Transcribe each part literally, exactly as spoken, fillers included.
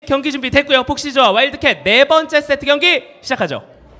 경기 준비 됐고요. 폭시즈와 와일드캣 네 번째 세트 경기 시작하죠.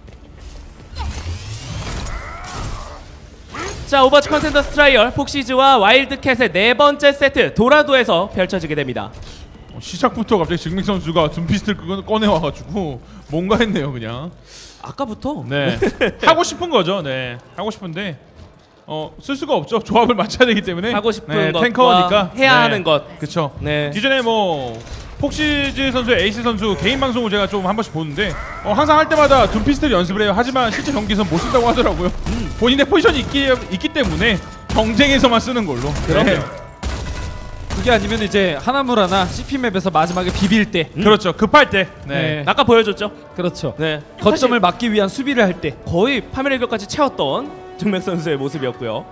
자, 오버워치 컨텐더스 트라이얼 폭시즈와 와일드캣의 네 번째 세트 도라도에서 펼쳐지게 됩니다. 어, 시작부터 갑자기 증명 선수가 둠피스트를 꺼내와가지고 뭔가 했네요. 그냥 아까부터 네 하고 싶은 거죠. 네 하고 싶은데 어 쓸 수가 없죠. 조합을 맞춰야 되기 때문에 하고 싶은 네, 것과 탱커니까 해야 네. 하는 것. 그쵸. 네. 기존에 뭐 폭시즈 선수의 에이스 선수 개인 방송을 제가 좀 한 번씩 보는데 어, 항상 할 때마다 둠피스트를 연습을 해요. 하지만 실제 경기에서는 못 쓴다고 하더라고요. 음. 본인의 포지션이 있기, 있기 때문에 경쟁에서만 쓰는 걸로. 그럼요. 네. 그게 아니면 이제 하나무라나 씨피맵에서 마지막에 비빌 때. 음. 그렇죠. 급할 때. 네. 네. 아까 보여줬죠. 그렇죠. 네. 거점을 막기 위한 수비를 할 때 거의 파멸의 격까지 채웠던 증맥 선수의 모습이었고요.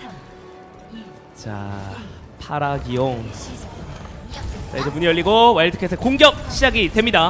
자, 파라기용. 자, 이제 문이 열리고 와일드캣의 공격 시작이 됩니다.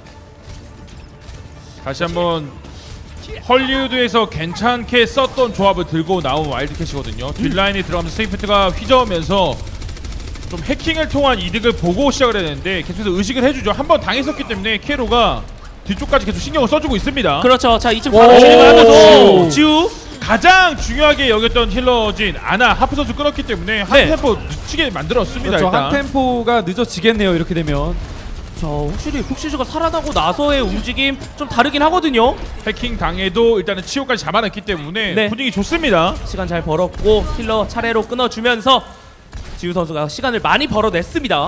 다시 한번 헐리우드에서 괜찮게 썼던 조합을 들고 나온 와일드캣이거든요. 뒷라인에 들어가면서 세이프트가 휘저으면서 좀 해킹을 통한 이득을 보고 시작을 해야 되는데 계속해서 의식을 해주죠. 한번 당했었기 때문에 키에로가 뒤쪽까지 계속 신경을 써주고 있습니다. 그렇죠. 자, 이쯤 바로 진행을 하면서 지우 가장 중요하게 여겼던 힐러진 아나 하프 선수 끊었기 때문에 한 네. 템포 늦추게 만들었습니다. 그렇죠. 일단 한 템포가 늦어지겠네요. 이렇게 되면. 자, 확실히 폭시즈가 살아나고 나서의 움직임 좀 다르긴 하거든요. 해킹 당해도 일단은 치오까지 잡아냈기 때문에 네. 분위기 좋습니다. 시간 잘 벌었고 힐러 차례로 끊어주면서 지우 선수가 시간을 많이 벌어냈습니다.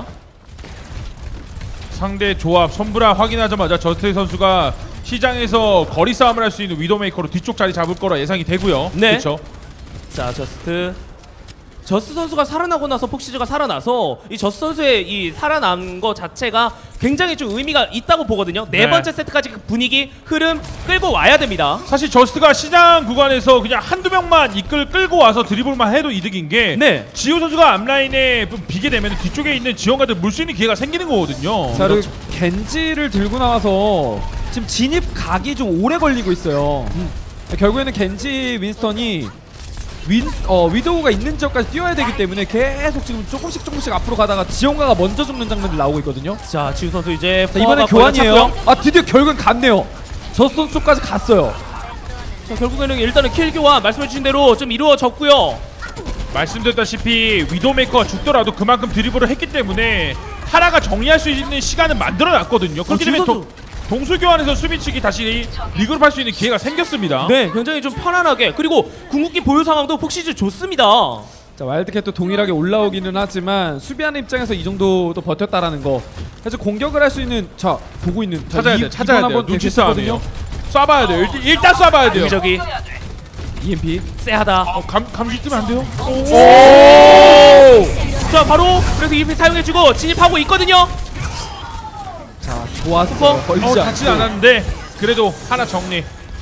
상대 조합 선브라 확인하자마자 저스트 선수가 시장에서 거리 싸움을 할 수 있는 위도메이커로 뒤쪽 자리 잡을 거라 예상이 되고요. 네. 그렇죠. 자, 저스트 저스트 선수가 살아나고 나서 폭시즈가 살아나서 이 저스트 선수의 이 살아난 거 자체가 굉장히 좀 의미가 있다고 보거든요. 네, 네. 번째 세트까지 그 분위기 흐름 끌고 와야 됩니다. 사실 저스트가 시장 구간에서 그냥 한두 명만 이끌 끌고 와서 드리블만 해도 이득인 게 네. 지우 선수가 앞라인에 좀 비게 되면 뒤쪽에 있는 지원가들 물 수 있는 기회가 생기는 거거든요. 자, 그리고 겐지를 들고 나와서 지금 진입 각이 좀 오래 걸리고 있어요. 음. 결국에는 겐지 윈스턴이 윈, 어, 위도우가 있는 지역까지 뛰어야 되기 때문에 계속 지금 조금씩 조금씩 앞으로 가다가 지원가가 먼저 죽는 장면들 나오고 있거든요. 자, 지우 선수 이제 자, 이번에 교환이에요. 아, 드디어 결국엔 갔네요. 저 선수 쪽까지 갔어요. 자, 결국에는 일단은 킬 교환 말씀해주신 대로 좀 이루어졌고요. 말씀드렸다시피 위도메이커가 죽더라도 그만큼 드리블을 했기 때문에 하나가 정리할 수 있는 시간을 만들어놨거든요. 그렇기 때문에 동, 동수 교환에서 수비측이 다시 리그룹 할 수 있는 기회가 생겼습니다. 네, 굉장히 좀 편안하게, 그리고 궁극기 보유 상황도 폭시즈 좋습니다. 자, 와일드캣도 동일하게 올라오기는 하지만 수비하는 입장에서 이 정도도 버텼다라는 거. 그래서 공격을 할 수 있는, 자, 보고 있는, 자, 찾아야 이, 돼요. 찾아야 돼요. 한번 눈치 싸움이에요. 쏴봐야 돼요. 일단, 일단 쏴봐야 돼요. 여기저기 이엠피. 쎄하다. 어, 감, 감시 뜨면 안 돼요? 오! 자, 바로 그래서 이엠피 사용해주고 진입하고 있거든요. 자, 좋았어. 슈퍼? 걸리지 어, 않고. 닿진 않았는데 그래도 하나 정리.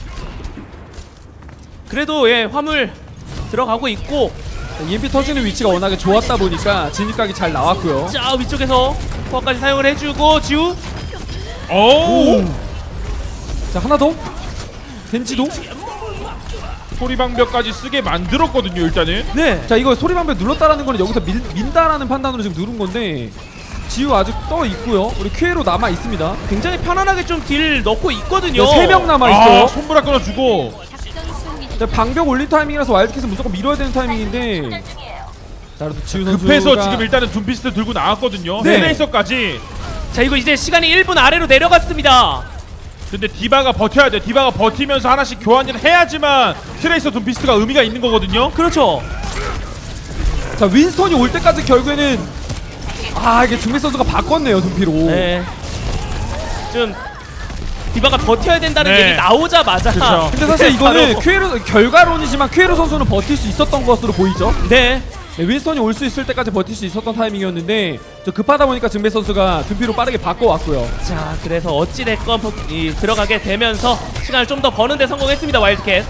그래도 예, 화물 들어가고 있고. 자, 이엠피 터지는 위치가 워낙에 좋았다 보니까 진입각이 잘 나왔고요. 자, 위쪽에서 코어까지 사용을 해주고 지우. 오! 자, 하나 더. 겐지도. 소리방벽까지 쓰게 만들었거든요. 일단은. 네. 자, 이거 소리방벽 눌렀다라는 거는 여기서 밀, 민다라는 판단으로 지금 누른 건데 지우 아직 떠 있고요. 우리 큐에로 남아 있습니다. 굉장히 편안하게 좀 딜 넣고 있거든요. 세 명 남아 있어요. 아, 손브라 끊어주고. 자, 방벽 올린 타이밍이라서 와일드캣은 무조건 밀어야 되는 타이밍인데. 자, 그래도 지우 선수가 급해서 지금 일단은 둠피스트 들고 나왔거든요. 네. 트레이서까지. 자, 이거 이제 시간이 일 분 아래로 내려갔습니다. 근데 디바가 버텨야 돼. 디바가 버티면서 하나씩 교환을 해야지만 트레이서 둠피스트가 의미가 있는 거거든요. 그렇죠. 자, 윈스턴이 올 때까지 결국에는 아, 이게 중미 선수가 바꿨네요, 둠피로. 네. 좀 디바가 버텨야 된다는 네. 얘기 나오자마자. 그쵸. 근데 사실 이거는 바로. 큐에로 결과론이지만 큐에로 선수는 버틸 수 있었던 것으로 보이죠. 네. 네, 윈스턴이 올 수 있을 때까지 버틸 수 있었던 타이밍이었는데 저 급하다 보니까 증배 선수가 둠피로 빠르게 바꿔왔고요. 자, 그래서 어찌됐건 이, 들어가게 되면서 시간을 좀 더 버는데 성공했습니다. 와일드캣.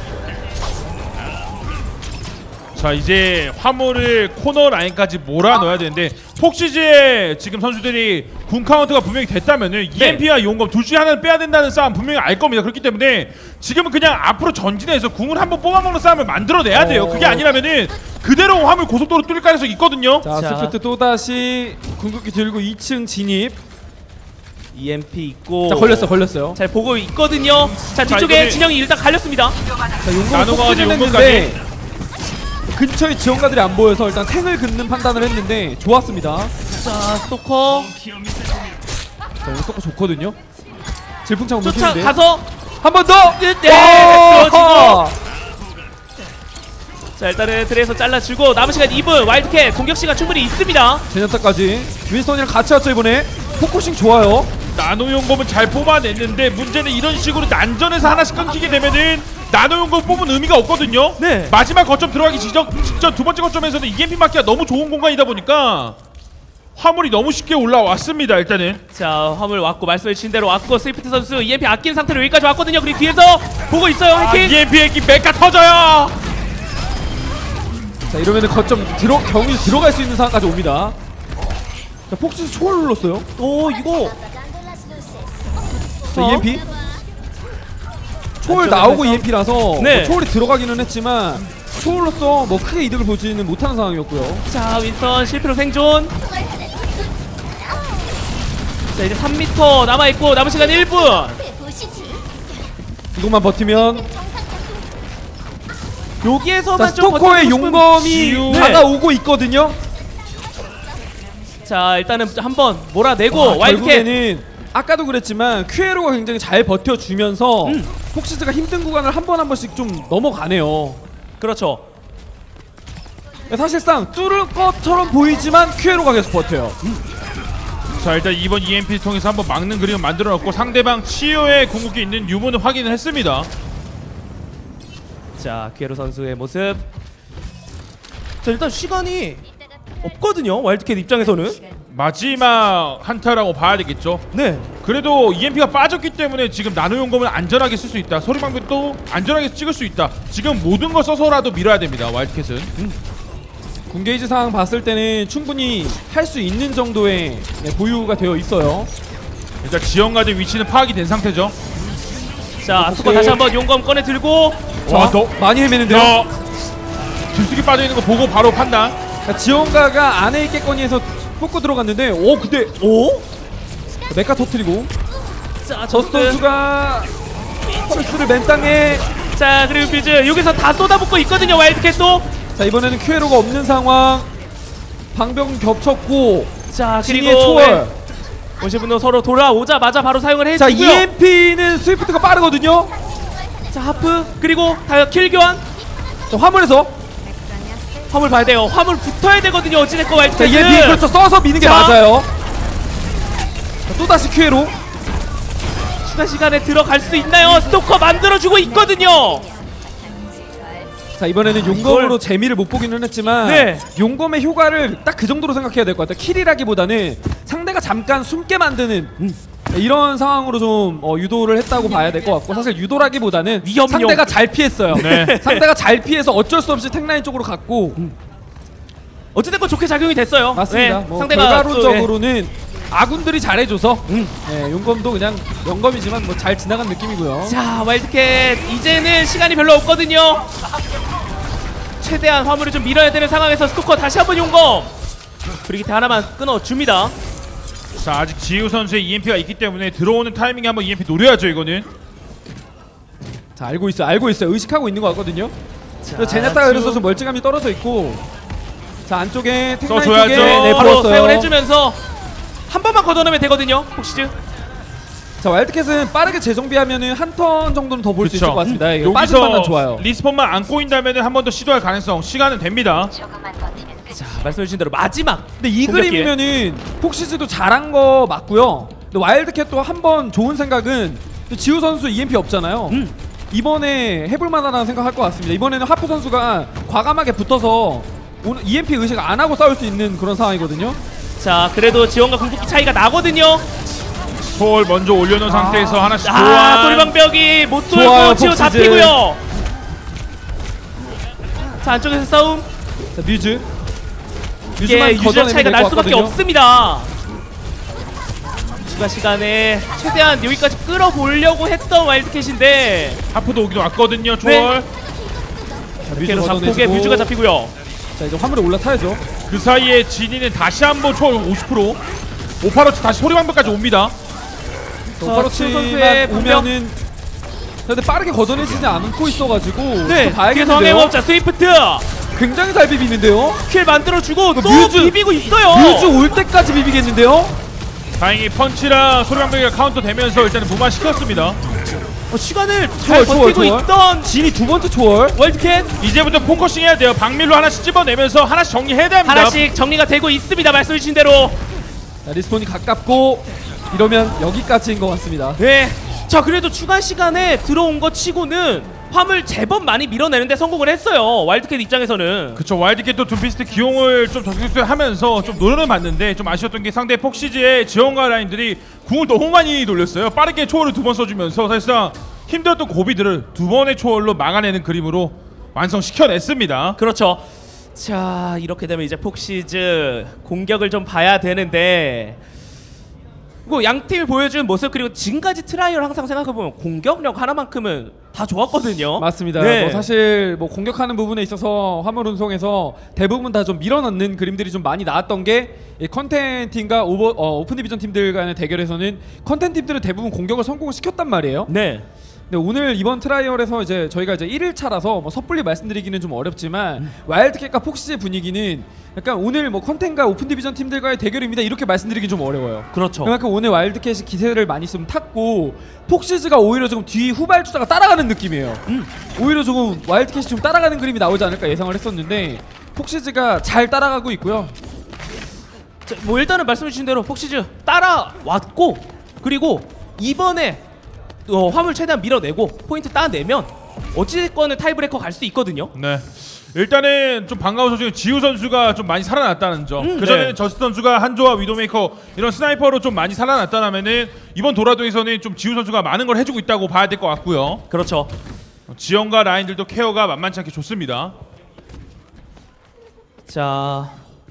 자, 이제 화물을 코너 라인까지 몰아 넣어야 되는데 폭시즈의 지금 선수들이 군 카운트가 분명히 됐다면은 네. 이엠피와 용검 둘 중에 하나는 빼야 된다는 싸움 분명히 알 겁니다. 그렇기 때문에 지금은 그냥 앞으로 전진해서 궁을 한번 뽑아먹는 싸움을 만들어내야 돼요. 그게 아니라면은 그대로 화물 고속도로 뚫릴 가능성이 있거든요. 자, 자. 스프트 또다시 궁극기 들고 이 층 진입. 이엠피 있고. 자 걸렸어 걸렸어요. 잘 보고 있거든요. 자 자, 뒤쪽에 이거는- 진영이 일단 갈렸습니다. 자 용검 나노가 폭주는 가지고 했는데 근처에 지원가들이 안 보여서 일단 탱을 긋는 판단을 했는데 좋았습니다. 자 스토커 자 오늘 스토커 좋거든요. 질풍차고 물키는데 쫓아가서 한 번 더! 네, 와! 쓰러지고. 자 일단은 드레에서 잘라주고 남은 시간 이 분. 와일드캣 공격 시간 충분히 있습니다. 제냐타까지 윈스턴이랑 같이 왔죠 이번에. 포커싱 좋아요. 나노 용검은 잘 뽑아냈는데 문제는 이런 식으로 난전에서 하나씩 끊기게 되면은 나노 용검 뽑은 의미가 없거든요. 네. 마지막 거점 들어가기 직전, 직전 두 번째 거점에서는 이엠피 맞기가 너무 좋은 공간이다 보니까 화물이 너무 쉽게 올라왔습니다. 일단은 자 화물 왔고 말씀해 주신 대로 왔고 스위프트 선수 이엠피 아낀 상태로 여기까지 왔거든요. 그리고 뒤에서 보고 있어요. 아, 해킹. 이엠피 핵기 메카 터져요. 자 이러면은 거점 들어 경기 들어갈 수 있는 상황까지 옵니다. 자 폭스 초월 눌렀어요. 오 이거 자 어? 이엠피 초월 안쪽에서 나오고 해서- 이엠피라서 네. 뭐 초월이 들어가기는 했지만 초월로서 뭐 크게 이득을 보지는 못하는 상황이었고요. 자 윈스턴 실패로 생존. 자 이제 삼 미터 남아있고 남은 시간 일 분. 이것만 버티면 여기에서만 자 좀 스토커의 버티고 싶은- 용검이 지우. 다가오고 있거든요. 자 일단은 한번 몰아내고 와, 와일드캣. 결국에는 아까도 그랬지만 큐에로가 굉장히 잘 버텨주면서 음. 폭시즈가 힘든 구간을 한 번 한 번씩 좀 넘어가네요. 그렇죠. 사실상 뚫을 것처럼 보이지만 큐에로가 계속 버텨요. 자 일단 이번 이엠피 통해서 한번 막는 그림을 만들어놨고 상대방 치유의 궁극기 있는 유무는 확인을 했습니다. 자 기에로 선수의 모습. 자 일단 시간이 없거든요. 와일드캣 입장에서는. 마지막 한타라고 봐야 되겠죠. 네. 그래도 이엠피가 빠졌기 때문에 지금 나노 용검을 안전하게 쓸 수 있다. 소리방벽도 안전하게 찍을 수 있다. 지금 모든 걸 써서라도 밀어야 됩니다. 와일드캣은. 군게이지 상황 봤을 때는 충분히 할 수 있는 정도의 네, 보유가 되어 있어요. 일단 지원가들 위치는 파악이 된 상태죠. 자 스토커 다시 한번 용검 꺼내 들고. 자, 더. 많이 헤매는데요. 자, 깊숙이 빠져있는 거 보고 바로 판단. 자, 지원가가 안에 있겠거니 해서 뽑고 들어갔는데 오 근데 오? 메카 터트리고 자 저스 저스트. 선수가 펄스를 맨 땅에. 자 그리고 퓨즈 여기서 다 쏟아붓고 있거든요. 와일드캣도. 자 이번에는 큐에로가 없는 상황. 방벽은 겹쳤고 자 진이의 그리고 초월. 원시분노 서로 돌아오자마자 바로 사용을 자 해주고요. 이엠피는 스위프트가 빠르거든요. 자 하프 그리고 다 킬 교환. 자 화물에서 화물 봐야 돼요. 화물 붙어야 되거든요. 어찌됐건 자 와일드캣은. 이엠피 그렇죠 써서 미는 게 자. 맞아요. 자, 또다시 큐에로. 추가 시간에 들어갈 수 있나요? 스토커 만들어주고 있거든요. 자 이번에는 용검으로 재미를 못 보기는 했지만 네. 용검의 효과를 딱 그 정도로 생각해야 될 것 같아요. 킬이라기보다는 상대가 잠깐 숨게 만드는 네, 이런 상황으로 좀 어, 유도를 했다고 봐야 될 것 같고 사실 유도라기보다는 위험용. 상대가 잘 피했어요. 네. 상대가 잘 피해서 어쩔 수 없이 탱라인 쪽으로 갔고 어찌됐건 좋게 작용이 됐어요. 맞습니다. 네, 뭐 상대가 결과론적으로는 아군들이 잘해줘서 음. 네, 용검도 그냥 영검이지만 뭐 잘 지나간 느낌이고요. 또, 자 와일드캣 이제는 시간이 별로 없거든요. 최대한 화물을 좀 밀어야 되는 상황에서 스토커 다시 한번 용검. 브리기테 하나만 끊어줍니다. 자 아직 지우 선수의 이엠피가 있기 때문에 들어오는 타이밍에 한번 이엠피 노려야죠. 이거는. 자 알고 있어요. 알고 있어요. 의식하고 있는 것 같거든요. 자, 제냐타가 그래서 지금 좀 멀찌감이 떨어져 있고 자 안쪽에 탱라인 써줘야죠. 쪽에 네, 바로 보았어요. 사용을 해주면서 한 번만 걷어내면 되거든요. 폭시즈. 자 와일드캣은 빠르게 재정비하면은 한 턴 정도는 더 볼 수 있을 것 같습니다. 이거 빠진 여기서 판단 좋아요. 리스폰만 안 꼬인다면 한 번 더 시도할 가능성 시간은 됩니다. 자 말씀해주신 대로 마지막. 근데 이 공격 기회. 그림이면은 폭시즈도 잘한 거 맞고요. 근데 와일드캣도 한 번 좋은 생각은 지우 선수 이엠피 없잖아요. 음. 이번에 해볼 만하다는 생각할 것 같습니다. 이번에는 하프 선수가 과감하게 붙어서 오늘 이엠피 의식 안 하고 싸울 수 있는 그런 상황이거든요. 자 그래도 지원과 궁극기 차이가 나거든요. 초월 먼저 올려놓은 상태에서 하나씩 아 교환. 소리방벽이 못 좋아요, 돌고 지워 폭시즈. 잡히고요. 자 안쪽에서 싸움. 자 뮤즈. 이게 뮤즈만 유지력 걷어내면 차이가 될 날 것 수밖에 같거든요. 없습니다. 추가 시간에 최대한 여기까지 끌어보려고 했던 와일드캣인데 하프도 오기도 왔거든요. 네. 초월. 자, 뮤즈 뮤즈로 잡고 걷어내주고. 뮤즈가 잡히고요. 자 이제 화물에 올라타야죠. 그 사이에 진이는 다시 한번 초월 오십 퍼센트 오파로치 다시 소리방벽까지 옵니다. 서로치만 선수의 분명- 오면은 근데 빠르게 걷어내지지 않고 있어가지고 네, 또 봐야겠는데요. 뒤에서 황해법자 스위프트 굉장히 잘 비비는데요. 킬 만들어주고 또 뮤즈, 비비고 있어요. 뮤즈 올 때까지 비비겠는데요. 다행히 펀치랑 소리방벽이가 카운터 되면서 일단은 무마시켰습니다. 어, 시간을 잘 초월, 초월, 버티고 초월. 있던 진이 두 번째 초월. 월드캣 이제부터 포커싱 해야 돼요. 박밀로 하나씩 집어내면서 하나씩 정리해야 됩니다. 하나씩 정리가 되고 있습니다. 말씀해주신 대로. 자, 리스폰이 가깝고 이러면 여기까지인 것 같습니다. 네. 자, 그래도 추가 시간에 들어온 것 치고는 화물 제법 많이 밀어내는데 성공을 했어요. 와일드캣 입장에서는. 그쵸, 와일드캣도 둠피스트 기용을 좀 적극적하면서 좀 노려는 봤는데 좀 아쉬웠던 게 상대 폭시즈의 지원가 라인들이 궁을 너무 많이 돌렸어요. 빠르게 초월을 두 번 써주면서 사실상 힘들었던 고비들을 두 번의 초월로 막아내는 그림으로 완성시켜냈습니다. 그렇죠. 자, 이렇게 되면 이제 폭시즈 공격을 좀 봐야 되는데 뭐 양 팀이 보여준 모습 그리고 지금까지 트라이얼 항상 생각해보면 공격력 하나만큼은 다 좋았거든요. 맞습니다. 네. 뭐 사실 뭐 공격하는 부분에 있어서 화물 운송에서 대부분 다 좀 밀어넣는 그림들이 좀 많이 나왔던 게 이 컨텐 팀과 오버, 어, 오픈 디비전 팀들 간의 대결에서는 컨텐 팀들은 대부분 공격을 성공을 시켰단 말이에요. 네. 근데 오늘 이번 트라이얼에서 이제 저희가 이제 일 일차라서 뭐 섣불리 말씀드리기는 좀 어렵지만 음. 와일드캣과 폭시의 분위기는 약간 오늘 뭐 컨텐과 오픈 디비전 팀들과의 대결입니다 이렇게 말씀드리긴 좀 어려워요. 그렇죠. 그만큼 오늘 와일드캣이 기세를 많이 좀 탔고 폭시즈가 오히려 조금 뒤 후발주자가 따라가는 느낌이에요. 음. 오히려 조금 와일드캣이 좀 따라가는 그림이 나오지 않을까 예상을 했었는데 폭시즈가 잘 따라가고 있고요. 자, 뭐 일단은 말씀해주신 대로 폭시즈 따라왔고 그리고 이번에 어, 화물 최대한 밀어내고 포인트 따내면 어찌됐건 타이브레이커 갈 수 있거든요. 네. 일단은 좀 반가운 소식은 지우 선수가 좀 많이 살아났다는 점. 음, 그전에는 네. 저스트 선수가 한조와 위도메이커 이런 스나이퍼로 좀 많이 살아났다면은 이번 도라도에서는 좀 지우 선수가 많은 걸 해주고 있다고 봐야 될 것 같고요. 그렇죠. 지원과 라인들도 케어가 만만치 않게 좋습니다. 자,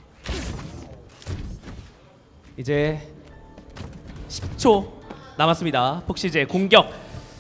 이제 십 초 남았습니다. 폭시즈의 공격.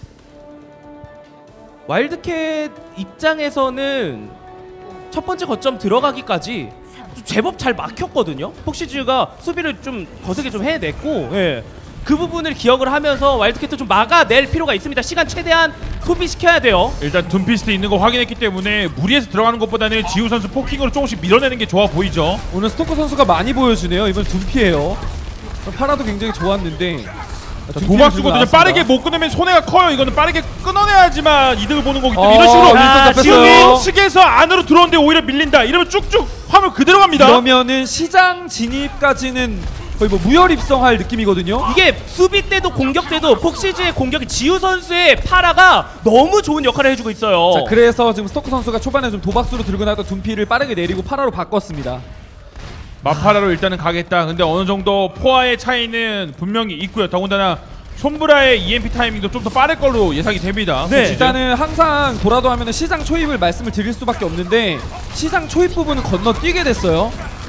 와일드캣 입장에서는 첫 번째 거점 들어가기까지 제법 잘 막혔거든요. 폭시즈가 수비를 좀 거세게 좀 해냈고, 예. 그 부분을 기억을 하면서 와일드캣도 좀 막아낼 필요가 있습니다. 시간 최대한 소비시켜야 돼요. 일단 둠피스트 있는 거 확인했기 때문에 무리해서 들어가는 것보다는 지우 선수 포킹으로 조금씩 밀어내는 게 좋아 보이죠. 오늘 스토커 선수가 많이 보여주네요. 이번 둠피예요. 파라도 굉장히 좋았는데 도박수거든요. 빠르게 못 끊으면 손해가 커요. 이거는 빠르게 끊어내야지만 이득을 보는 거기 때문에 어, 이런 식으로 자, 지금 측에서 안으로 들어오는데 오히려 밀린다. 이러면 쭉쭉 화물 그대로 갑니다. 그러면은 시장 진입까지는 거의 뭐 무혈 입성할 느낌이거든요. 이게 수비 때도 공격 때도 폭시즈의 공격이 지우 선수의 파라가 너무 좋은 역할을 해주고 있어요. 자, 그래서 지금 스토커 선수가 초반에 좀 도박수로 들고 나왔던 둠피를 빠르게 내리고 파라로 바꿨습니다. 마파라로 일단은 가겠다. 근데 어느 정도 포화의 차이는 분명히 있고요. 더군다나 손브라의 이엠피 타이밍도 좀 더 빠를 걸로 예상이 됩니다. 네. 일단은 항상 돌아도 하면은 시장 초입을 말씀을 드릴 수밖에 없는데 시장 초입 부분은 건너뛰게 됐어요.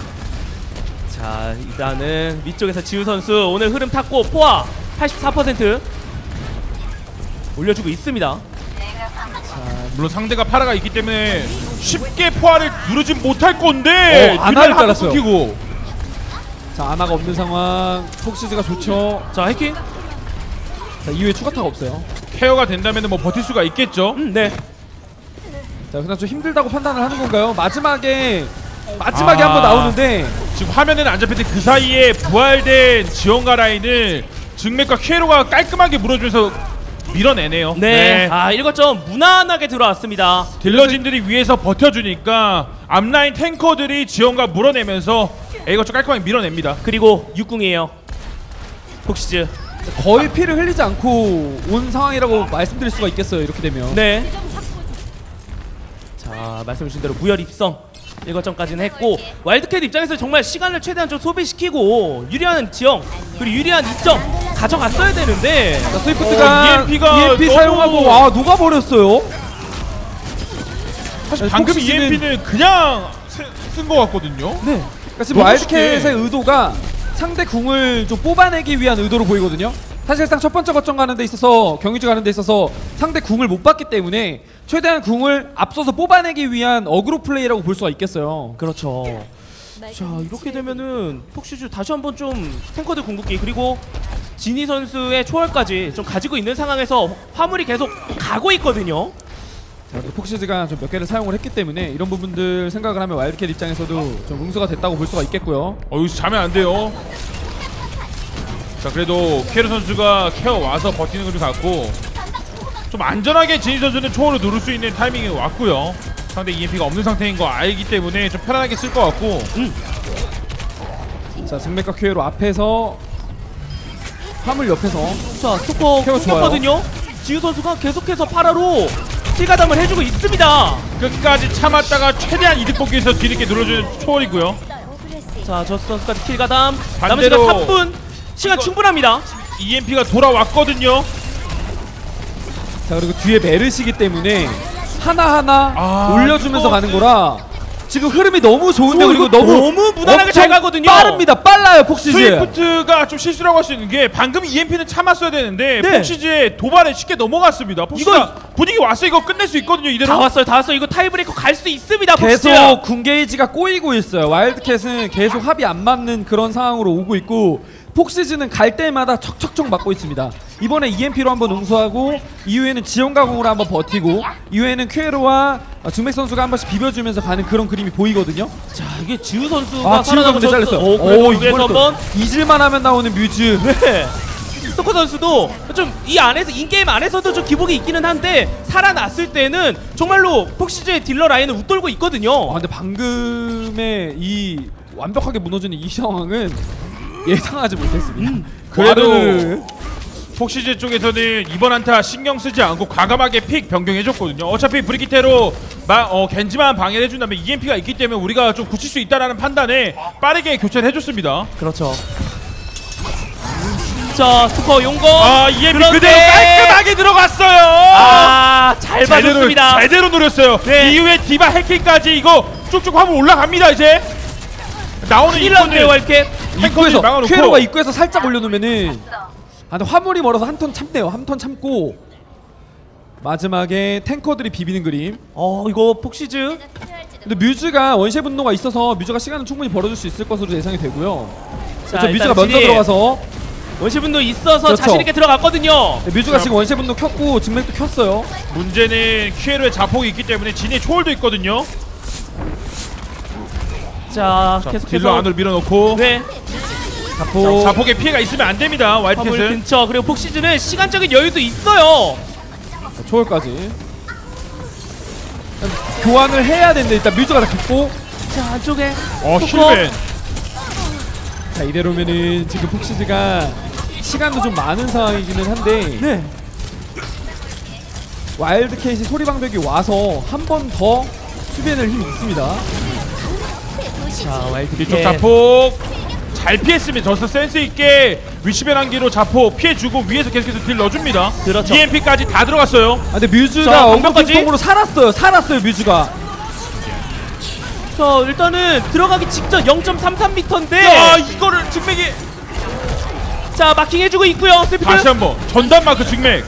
자, 일단은 위쪽에서 지우 선수 오늘 흐름 탔고 포화 팔십사 퍼센트 올려주고 있습니다. 물론 상대가 파라가 있기 때문에 쉽게 포화를 누르진 못할 건데 어, 아나를 딜라를 깔았어요. 끊기고. 자, 아나가 없는 상황. 폭시즈가 좋죠. 자, 해킹. 자, 이후에 추가타가 없어요. 케어가 된다면 뭐 버틸 수가 있겠죠. 음, 네. 자, 그냥 좀 힘들다고 판단을 하는 건가요? 마지막에 마지막에 아. 한번 나오는데 지금 화면에는 안 잡힐 때 그 사이에 부활된 지원가 라인을 증맥과 퀴에로가 깔끔하게 물어주면서 밀어내네요. 네. 아, 일곱 점 무난하게 들어왔습니다. 딜러진들이 위에서 버텨주니까 앞라인 탱커들이 지원가 물어내면서 A거쳐 깔끔하게 밀어냅니다. 그리고 육궁이에요. 폭시즈. 거의 피를 흘리지 않고 온 상황이라고 말씀드릴 수가 있겠어요. 이렇게 되면. 네. 자, 말씀주신 대로 무혈 입성 일곱 점까지는 했고 와일드캣 입장에서 정말 시간을 최대한 좀 소비시키고 유리한 지형 그리고 유리한 이 점 가져갔어야 되는데 자, 스위프트가 어, 이엠피가 이엠피 너무- 사용하고 와 녹아버렸어요. 사실 네, 방금 폭시즈는- 이엠피는 그냥 쓴 것 같거든요. 네. 그러니까 지금 너무 와일드캣의 쉽게. 의도가 상대 궁을 좀 뽑아내기 위한 의도로 보이거든요. 사실상 첫 번째 거점 가는 데 있어서 경유지 가는 데 있어서 상대 궁을 못 받기 때문에 최대한 궁을 앞서서 뽑아내기 위한 어그로 플레이라고 볼 수가 있겠어요. 그렇죠. 자 이렇게 되면은 폭시즈 다시 한번 좀 탱커들 궁극기 그리고 지니 선수의 초월까지 좀 가지고 있는 상황에서 화물이 계속 가고 있거든요. 자, 또 폭시즈가 좀 몇 개를 사용을 했기 때문에 이런 부분들 생각을 하면 와일드캣 입장에서도 좀 응수가 됐다고 볼 수가 있겠고요. 어 여기서 자면 안 돼요. 자 그래도 케르 선수가 케어 와서 버티는 걸 같고 좀 안전하게 지니 선수는 초월을 누를 수 있는 타이밍이 왔고요. 상대 이엠피가 없는 상태인 거 알기 때문에 좀 편안하게 쓸 것 같고. 음. 자 증맥과 큐에로 앞에서 화물 옆에서 자 스토커 케어 좋아요. 끊겼거든요. 지우 선수가 계속해서 파라로 킬가담을 해주고 있습니다. 끝까지 참았다가 최대한 이득 보기 위해서 뒤늦게 눌러주는 초월이고요. 자 저스 선수까지 킬가담 남은 반대로 시간 삼 분 시간 이거- 충분합니다. 이엠피가 돌아왔거든요. 자 그리고 뒤에 메르시기 때문에 하나하나 아, 올려주면서 이거- 가는 거라 지금 흐름이 너무 좋은데 오, 그리고 이거 너무 너무 무난하게 잘 엄청 가거든요. 빠릅니다. 빨라요 폭시즈. 스위프트가 좀 실수라고 할 수 있는 게 방금 이엠피는 참았어야 되는데 네. 폭시즈의 도발에 쉽게 넘어갔습니다. 폭시즈가 분위기 왔어 이거 끝낼 수 있거든요 이대로. 다 왔어요 다 왔어요. 이거 타이브레이커 갈 수 있습니다. 계속 폭시즈. 군게이지가 꼬이고 있어요. 와일드캣은 계속 합이 안 맞는 그런 상황으로 오고 있고 폭시즈는 갈 때마다 척척척 맞고 있습니다. 이번에 이엠피로 한번 응수하고 이후에는 지원가공으로 한번 버티고 이후에는 퀘로와 중맥 선수가 한 번씩 비벼주면서 가는 그런 그림이 보이거든요. 자 이게 지우 선수가 아 지우가 살아나고 근데 잘렸어요. 오, 그래도 오, 그래서 이번에 또 한번 잊을만 하면 나오는 뮤즈. 네. 스토커 선수도 좀 이 안에서 인게임 안에서도 좀 기복이 있기는 한데 살아났을 때는 정말로 폭시즈의 딜러 라인을 웃돌고 있거든요. 아 근데 방금의 이 완벽하게 무너지는 이 상황은 예상하지 못했습니다. 음, 그래도 와르르. 폭시즈 쪽에서는 이번 한타 신경 쓰지 않고 과감하게 픽 변경해줬거든요. 어차피 브리기테로 마, 어, 겐지만 방해를 해준다면 이엠피가 있기 때문에 우리가 좀 굳힐 수 있다는 판단에 빠르게 교체를 해줬습니다. 그렇죠. 자 스토커 용거. 아 이엠피 그런데- 그대로 깔끔하게 들어갔어요. 아잘 제대로, 받았습니다. 제대로 노렸어요. 네. 이후에 디바 해킹까지 이거 쭉쭉 화물 올라갑니다 이제. 나오는 힐러인데요 왈켓. 입구에서 막아놓고. 퀘로가 입구에서 살짝 올려놓으면은 아 근데 화물이 멀어서 한 턴 참네요. 한 턴 참고 마지막에 탱커들이 비비는 그림. 어 이거 폭시즈. 근데 뮤즈가 원시의 분노가 있어서 뮤즈가 시간은 충분히 벌어줄 수 있을 것으로 예상이 되고요. 자, 그렇죠, 일단 뮤즈가 먼저 진이 들어가서 원시분도 있어서 그렇죠. 자신 있게 들어갔거든요. 네, 뮤즈가 자. 지금 원시의 분노 켰고 증맥도 켰어요. 문제는 큐에로의 자폭이 있기 때문에 진의 초월도 있거든요. 자, 자, 계속해서 딜러 안으로 밀어넣고 네 자포 자폭에 피해가 있으면 안 됩니다. 화물 와이드캣은. 근처 그리고 폭시즈는 시간적인 여유도 있어요. 초월까지 교환을 해야 되는데 일단 뮤즈가 다 켰고 자 안쪽에 어 스토커. 힐맨. 자 이대로면은 지금 폭시즈가 시간도 좀 많은 상황이기는 한데 네. 와일드캣이 소리방벽이 와서 한 번 더 수비해낼 힘이 있습니다. 자 와일드 뒤쪽 자폭 잘 피했습니다. 저스 센스 있게 위치변 한기로 자폭 피해주고 위에서 계속해서 딜 넣어줍니다. 그렇죠. 이엠피까지 다 들어갔어요. 아 근데 뮤즈가 자, 방벽까지. 엉덩이통으로 살았어요. 살았어요 뮤즈가. 자 일단은 들어가기 직전 영 점 삼삼 미터인데 야 이거를 직맥이 자 마킹 해주고 있고요. 스피드. 다시 한번 전담 마크 직맥.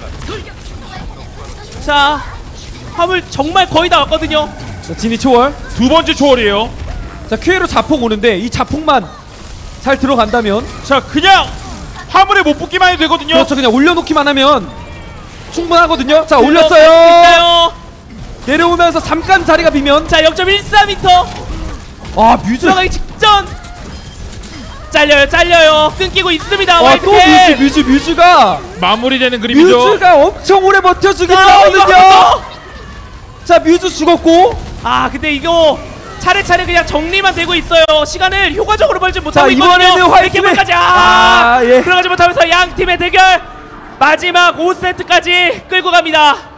자 화물 정말 거의 다 왔거든요. 자 진이 초월. 두 번째 초월이에요. 자 큐에로 자폭 오는데 이 자폭만 잘 들어간다면 자 그냥 화물에 못 붙기만 해도 되거든요. 그렇죠. 그냥 올려놓기만 하면 충분하거든요. 자 들어갈 수 올렸어요. 있나요? 내려오면서 잠깐 자리가 비면 자 영 점 일사 미터 아 뮤즈. 들어가기 직전. 잘려요 잘려요 끊기고 있습니다. 와또 뮤즈 와이드캣. 뮤즈 뮤즈가 마무리되는 그림이죠. 뮤즈가 엄청 오래 버텨주긴 아, 이거 하거든요. 한번 자 뮤즈 죽었고 아 근데 이거 차례차례 그냥 정리만 되고 있어요. 시간을 효과적으로 벌지 못하고 자, 이번에는 있거든요. 화이팅을- 이렇게까지 아, 아, 예. 들어가지 못하면서 양 팀의 대결 마지막 오 세트까지 끌고 갑니다.